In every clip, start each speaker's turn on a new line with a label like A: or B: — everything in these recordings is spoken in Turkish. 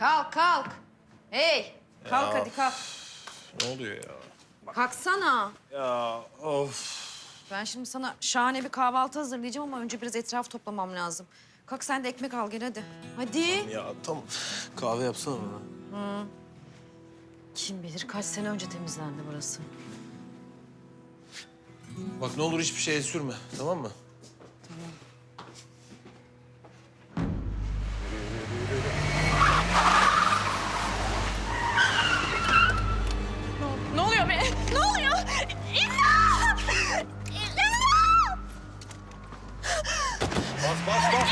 A: Kalk, kalk. Hey, kalk hadi kalk.
B: Ne oluyor ya?
A: Kalksana.
B: Ya of.
A: Ben şimdi sana şahane bir kahvaltı hazırlayacağım ama önce biraz etraf toplamam lazım. Kalk sen de ekmek al gel hadi. Hadi.
B: Ya tam kahve yapsana bana.
A: Kim bilir kaç sene önce temizlendi burası.
B: Bak ne olur hiçbir şeye sürme, tamam mı?
A: Ne oluyor be? Ne oluyor? İmdat! İmdat!
B: Bas.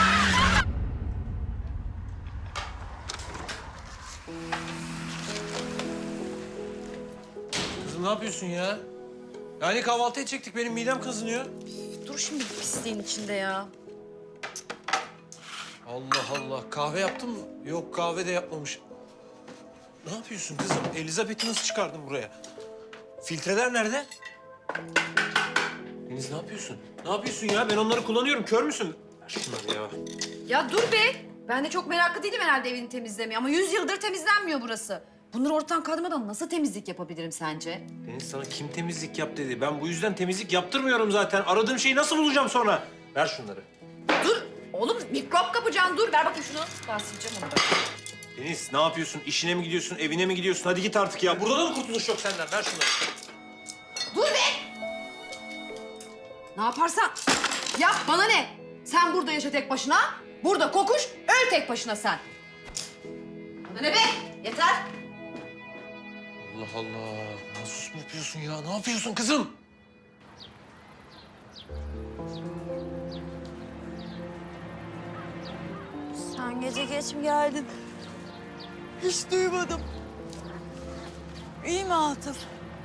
B: Kızım ne yapıyorsun ya? Yani kahvaltı edecektik, benim midem kazınıyor.
A: Dur şimdi bu pisliğin içinde ya.
B: Allah Allah, kahve yaptın mı? Yok, kahve de yapmamış. Ne yapıyorsun kızım? Elizabeth'i nasıl çıkardın buraya? Filtreler nerede? Deniz ne yapıyorsun? Ne yapıyorsun ya? Ben onları kullanıyorum, kör müsün? Ver şunları ya.
A: Ya dur be. Ben de çok meraklı değilim herhalde evini temizlemeye ama 100 yıldır temizlenmiyor burası. Bunları ortadan kaldırmadan nasıl temizlik yapabilirim sence?
B: Deniz sana kim temizlik yap dedi? Ben bu yüzden temizlik yaptırmıyorum zaten. Aradığım şeyi nasıl bulacağım sonra? Ver şunları.
A: Dur. Oğlum mikrop kapacaksın. Dur ver bakayım şunu. Ben sileceğim onu da.
B: Deniz ne yapıyorsun? İşine mi gidiyorsun? Evine mi gidiyorsun? Hadi git artık ya. Burada da mı kurtuluş yok senden? Ver şunları.
A: Dur be! Ne yaparsan yap bana ne? Sen burada yaşa tek başına. Burada kokuş, öl tek başına sen. Bana ne be? Yeter.
B: Allah Allah. Nasıl yapıyorsun ya? Ne yapıyorsun kızım?
C: Sen gece geç mi geldin? Hiç duymadım. İyi mi Atıf?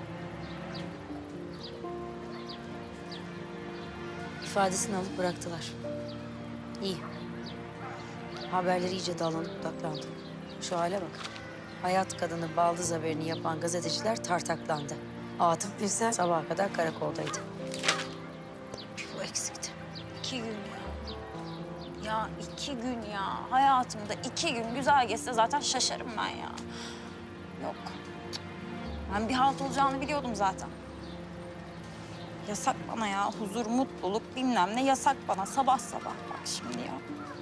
D: İfadesini alıp bıraktılar. İyi. Haberleri iyice dallanıp budaklandı. Şu hale bak. Hayat kadını baldız haberini yapan gazeteciler tartaklandı. Atıf Birsel sabaha kadar karakoldaydı. Bu eksikti.
C: 2 gün ya. Ya 2 gün ya. Hayatımda 2 gün güzel geçse zaten şaşarım ben ya. Yok. Ben bir halt olacağını biliyordum zaten. Yasak bana ya. Huzur, mutluluk bilmem ne yasak bana. Sabah sabah bak şimdi ya.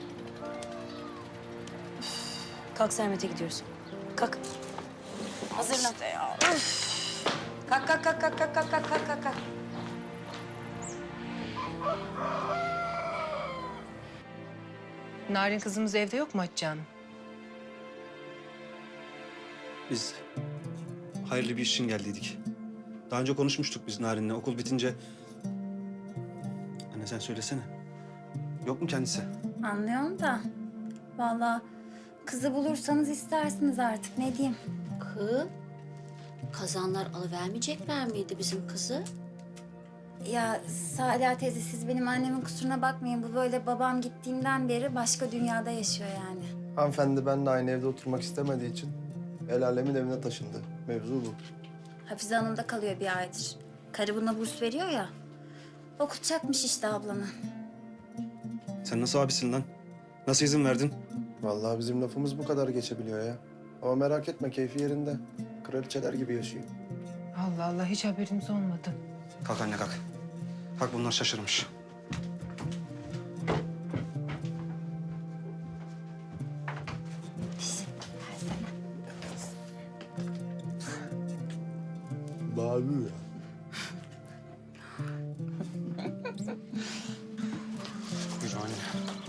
D: Kalk Sermet'e gidiyoruz. Kalk. Hazırlan.
C: İşte ya.
D: Kalk, kalk, kalk, kalk, kalk, kalk, kalk, kalk, kalk.
E: Narin kızımız evde yok mu Hatice Hanım?
F: Biz hayırlı bir iş için geldiydik. Daha önce konuşmuştuk biz Narin'le. Okul bitince... Anne sen söylesene. Yok mu kendisi?
G: Anlıyorum da vallahi kızı bulursanız istersiniz artık ne diyeyim.
D: Kız, kazanlar alıvermeyecekler miydi bizim kızı?
G: Ya Salih teyze siz benim annemin kusuruna bakmayın. Bu böyle babam gittiğinden beri başka dünyada yaşıyor yani.
H: Hanımefendi benimle aynı evde oturmak istemediği için el alemin evine taşındı. Mevzu bu.
G: Hafize Hanım'da kalıyor bir aydır. Karı buna burs veriyor ya. Okutacakmış işte ablanı.
F: Sen nasıl abisin lan? Nasıl izin verdin?
H: Vallahi bizim lafımız bu kadar geçebiliyor ya. Ama merak etme keyfi yerinde. Kraliçeler gibi yaşıyor.
E: Allah Allah hiç haberimiz olmadı.
F: Kalk anne kalk. Kalk bunlar şaşırmış.
H: Babi ya.
F: Yürü anne.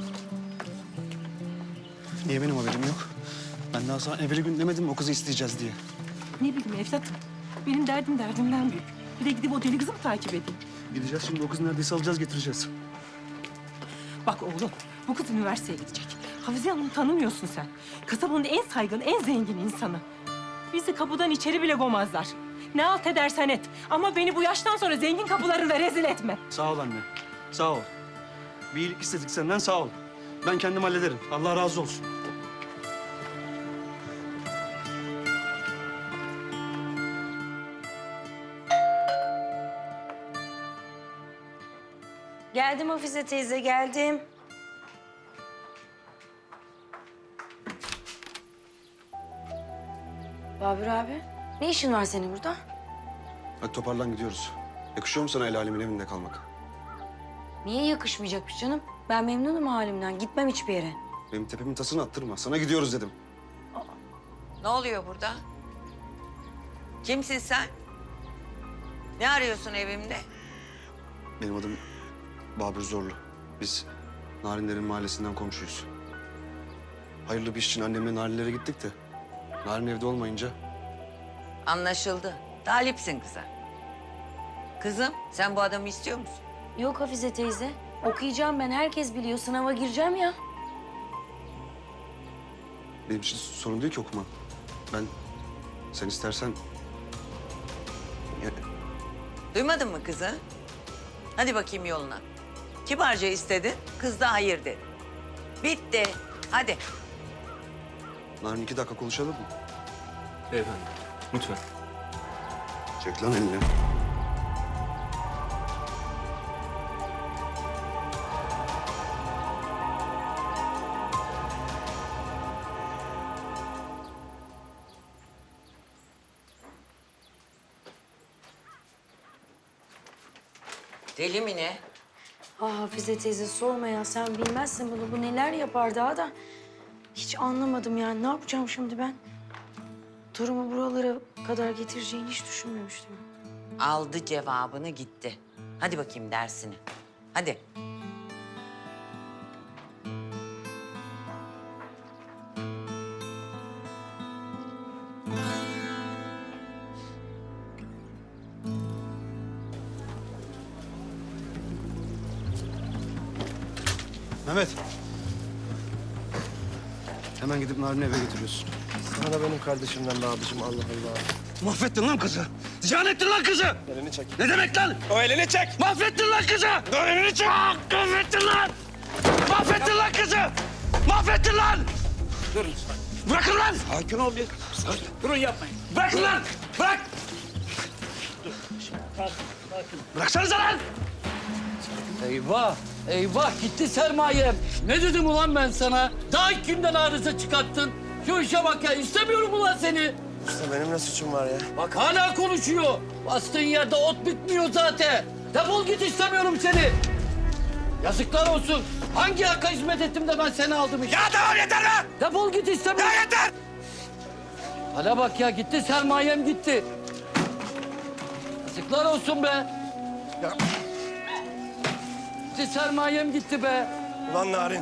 F: Niye benim haberim yok? Ben daha sana evveli gün demedim mi o kızı isteyeceğiz diye.
I: Ne bileyim evladım. Benim derdim derdimden büyük. Bir de gidip o deli kızı mı takip edeyim?
F: Gideceğiz şimdi o kızı neredeyse alacağız getireceğiz.
I: Bak oğlum, bu kız üniversiteye gidecek. Hafize Hanım'ı tanımıyorsun sen. Kasabanın en saygın, en zengin insanı. Bizi kapıdan içeri bile koymazlar. Ne halt edersen et. Ama beni bu yaştan sonra zengin kapılarında rezil etme.
F: Sağ ol anne. Sağ ol. Bir iyilik istedik senden sağ ol. Ben kendim hallederim. Allah razı olsun.
D: Geldim Hafize teyze, geldim. Babür abi, ne işin var senin burada?
F: Hadi toparlan gidiyoruz. Yakışıyor mu sana el alemin evinde kalmak?
D: Niye yakışmayacakmış canım? Ben memnunum halimden. Gitmem hiçbir yere.
F: Benim tepemin tasını attırma. Sana gidiyoruz dedim.
J: Ne oluyor burada? Kimsin sen? Ne arıyorsun evimde?
F: Benim adım Babür Zorlu. Biz Narinlerin mahallesinden komşuyuz. Hayırlı bir iş için annemle Narinlere gittik de Narin evde olmayınca
J: Anlaşıldı. Talipsin kıza. Kızım, sen bu adamı istiyor musun?
D: Yok Hafize teyze. Okuyacağım ben. Herkes biliyor. Sınava gireceğim ya.
F: benim için sorun değil ki okuman. Ben sen istersen
J: Duymadın mı kızı? Hadi bakayım yoluna. Kibarca istedin, kız da hayır dedi. Bitti. Hadi.
F: Narin 2 dakika konuşalım mı?
B: Beyefendi, lütfen.
F: Çek lan elini.
J: Deli mi ne?
D: Ah Hafize teyze sorma ya. Sen bilmezsin bunu. Bu neler yapar daha da. Hiç anlamadım yani. Ne yapacağım şimdi ben? Durumu buralara kadar getireceğini hiç düşünmemiştim.
J: Aldı cevabını gitti. Hadi bakayım dersini. Hadi.
F: Mehmet. Hemen gidip Narin'i eve götürüyorsun.
H: Sana da benim kardeşimden be abicim, Allah Allah.
F: Mahvettin lan kızı. Ziyan ettin lan kızı.
H: Elini çek.
F: Ne demek lan?
H: O elini çek.
F: Mahvettin lan kızı.
H: O elini çek.
F: Mahvettin lan. Mahvettin lan kızı. Mahvettin lan.
B: Durun.
F: Bırakın lan.
B: Sakin ol bir. Durun yapmayın.
F: Bırakın lan. Bırak. Bıraksanıza lan.
K: Eyvah, eyvah gitti sermayem. Ne dedim ulan ben sana? Daha ilk günden arıza çıkarttın. Şu işe bak ya, istemiyorum ulan seni.
H: İşte benim ne suçum var ya?
K: Bak hala konuşuyor. Bastığın yerde ot bitmiyor zaten. Defol git, istemiyorum seni. Yazıklar olsun. Hangi hakka hizmet ettim de ben seni aldım işte.
F: Ya tamam yeter lan.
K: Defol git, istemiyorum.
F: Ya yeter.
K: Hala bak ya, gitti sermayem gitti. Yazıklar olsun be.
H: Ya.
K: Gitti sermayem gitti be.
H: Ulan Narin.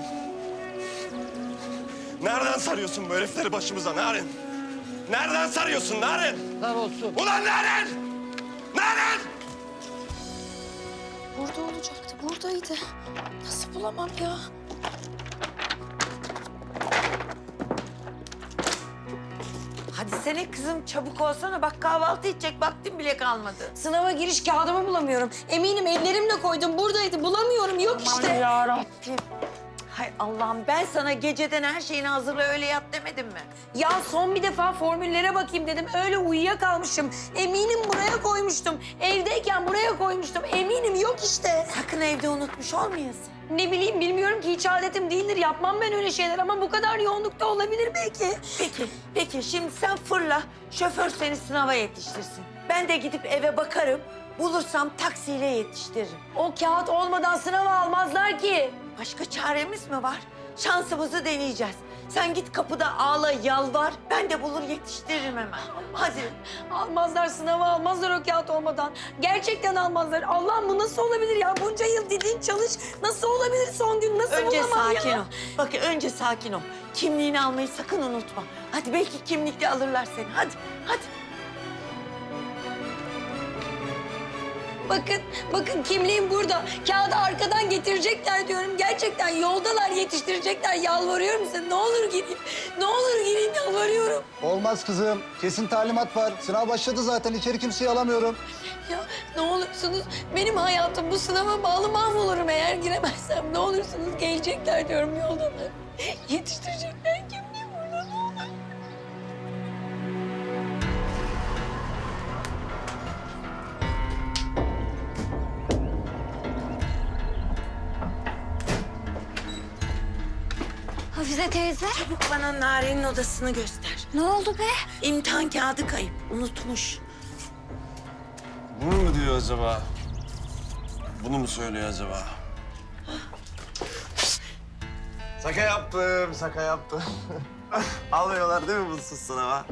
H: Nereden sarıyorsun bu herifleri başımıza Narin? Nereden sarıyorsun Narin?
K: Yazıklar olsun.
H: Ulan Narin! Narin!
D: Burada olacaktı. Buradaydı. Nasıl bulamam ya?
J: Hadi sene kızım, çabuk olsana. Bak kahvaltı edecek vaktim bile kalmadı.
D: Sınava giriş kağıdımı bulamıyorum. Eminim ellerimle koydum. Buradaydı. Bulamıyorum. Yok işte.
J: Yarabbim. Hay Allah'ım, ben sana geceden her şeyini hazırla öyle yat demedim mi?
D: Ya son bir defa formüllere bakayım dedim. Öyle uyuyakalmışım. Eminim buraya koymuştum. Evdeyken buraya koymuştum. Eminim yok işte.
J: Sakın evde unutmuş olmayasın.
D: Ne bileyim bilmiyorum ki hiç adetim değildir. Yapmam ben öyle şeyler ama bu kadar yoğunlukta olabilir belki.
J: Peki şimdi sen fırla, şoför seni sınava yetiştirsin. Ben de gidip eve bakarım, bulursam taksiyle yetiştiririm.
D: O kağıt olmadan sınava almazlar ki.
J: Başka çaremiz mi var? Şansımızı deneyeceğiz. Sen git kapıda ağla, yalvar, ben de bulur yetiştiririm hemen. Hadi.
D: Almazlar sınava almazlar o kağıt olmadan. Gerçekten almazlar. Allah'ım bu nasıl olabilir ya? Bunca yıl dediğin çalış. Nasıl olabilir son gün? Nasıl
J: Önce
D: bulamam
J: sakin
D: ya?
J: ol. Bak önce sakin ol. Kimliğini almayı sakın unutma. Hadi belki kimlikle alırlar seni. Hadi, hadi.
D: Bakın kimliğim burada. Kağıdı arkadan getirecekler diyorum. Gerçekten yoldalar yetiştirecekler. Yalvarıyorum size. Ne olur gireyim. Ne olur gireyim yalvarıyorum.
L: Olmaz kızım. Kesin talimat var. Sınav başladı zaten. İçeri kimseyi alamıyorum.
D: Ya ne olursunuz benim hayatım bu sınava bağlı mahvolurum eğer giremezsem. Ne olursunuz gelecekler diyorum yoldalar. Yetiştirecekler kimliğim burada ne olur.
G: Hafize teyze.
J: Çabuk bana Narin'in odasını göster.
C: Ne oldu be?
J: İmtihan kağıdı kayıp. Unutmuş.
B: Bunu mu diyor acaba? Bunu mu söylüyor acaba? Şaka yaptım, şaka yaptım. Almıyorlar değil mi bunsuz sınava?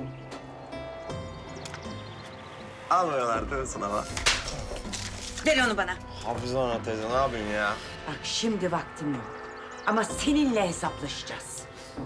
B: Almıyorlar değil mi sınava?
J: Ver onu bana.
B: Hafize Ana teyze ne yapayım ya?
J: Bak şimdi vaktim yok. Ama seninle hesaplaşacağız.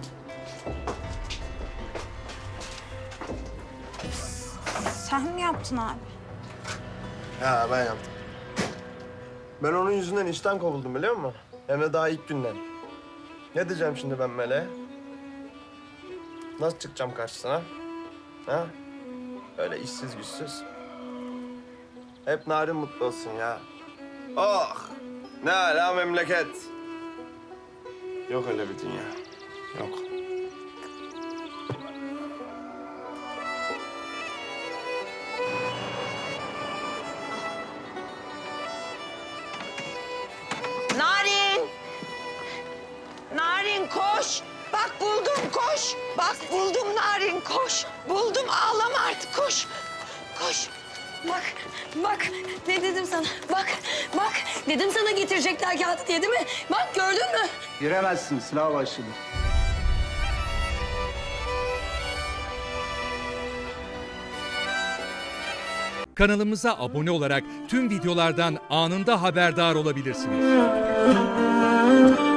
C: Sen mi yaptın abi?
H: Ya ben yaptım. Ben onun yüzünden işten kovuldum biliyor musun? Hem de daha ilk günden. Ne diyeceğim şimdi ben Meleğe? Nasıl çıkacağım karşısına? Ha? Öyle işsiz güçsüz. Hep Narin mutlu olsun ya. Oh! Ne ala memleket. Yok öyle bir dünya. Yok.
J: Narin! Narin koş! Bak buldum koş! Bak buldum Narin koş! Buldum ağlama artık koş! Koş!
M: Bak ne dedim sana? Bak dedim sana getirecekler kağıdı diye değil mi? Bak gördün mü?
L: Giremezsin, sınav başladı.
N: Kanalımıza abone olarak tüm videolardan anında haberdar olabilirsiniz.